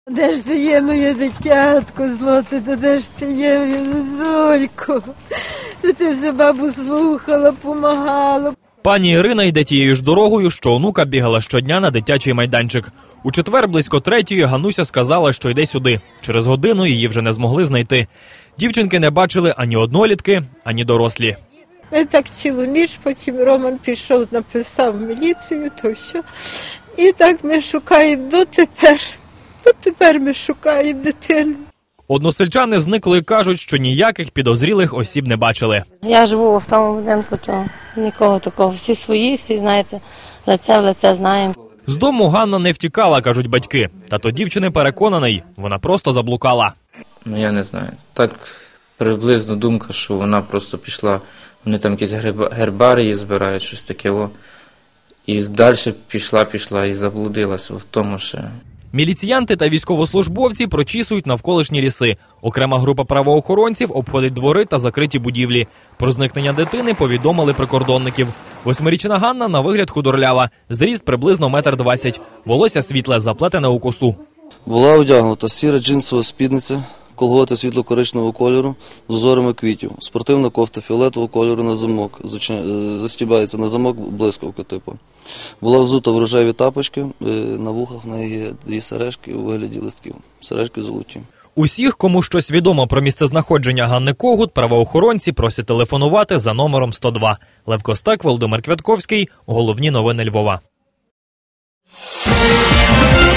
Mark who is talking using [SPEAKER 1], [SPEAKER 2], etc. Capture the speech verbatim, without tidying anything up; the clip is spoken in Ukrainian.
[SPEAKER 1] Де ж ти є, моє дитятко злоте, де ж ти є, моя Зозулько? Ти все бабу слухала, помагала.
[SPEAKER 2] Пані Ірина йде тією ж дорогою, що онука бігала щодня на дитячий майданчик. У четвер близько третьої Гануся сказала, що йде сюди. Через годину її вже не змогли знайти. Дівчинки не бачили ані однолітки, ані дорослі.
[SPEAKER 1] Ми так цілу ніч, потім Роман пішов, написав в міліцію, то все. І так ми шукаємо дотепер. Дотепер ми шукаємо дитину.
[SPEAKER 2] Односельчани зникли і кажуть, що ніяких підозрілих осіб не бачили.
[SPEAKER 3] Я живу в тому будинку, то нікого такого. Всі свої, всі, знаєте, лице в лице знаємо.
[SPEAKER 2] З дому Ганна не втікала, кажуть батьки. Тато дівчини переконаний, вона просто заблукала.
[SPEAKER 4] Ну, я не знаю. Так приблизно думка, що вона просто пішла, вони там якісь гербарії збирають, щось таке. О. І далі пішла, пішла і заблудилася в тому ще.
[SPEAKER 2] Міліціянти та військовослужбовці прочісують навколишні ліси. Окрема група правоохоронців обходить двори та закриті будівлі. Про зникнення дитини повідомили прикордонників. Восьмирічна Ганна на вигляд худорлява. Зріст приблизно метр двадцять. Волосся світле, заплетене у косу.
[SPEAKER 5] Була одягнута сіра джинсова спідниця, колготи світло-коричневого кольору з узорами квітів, спортивна кофта фіолетового кольору на замок, застібається на замок блискавка типу. Була взута в рожеві тапочки, на вухах в неї є дві сережки у вигляді листків, сережки золоті.
[SPEAKER 2] Усіх, кому щось відомо про місцезнаходження Ганни Когут, правоохоронці просять телефонувати за номером сто два. Лев Костак, Володимир Квятковський. Головні новини Львова.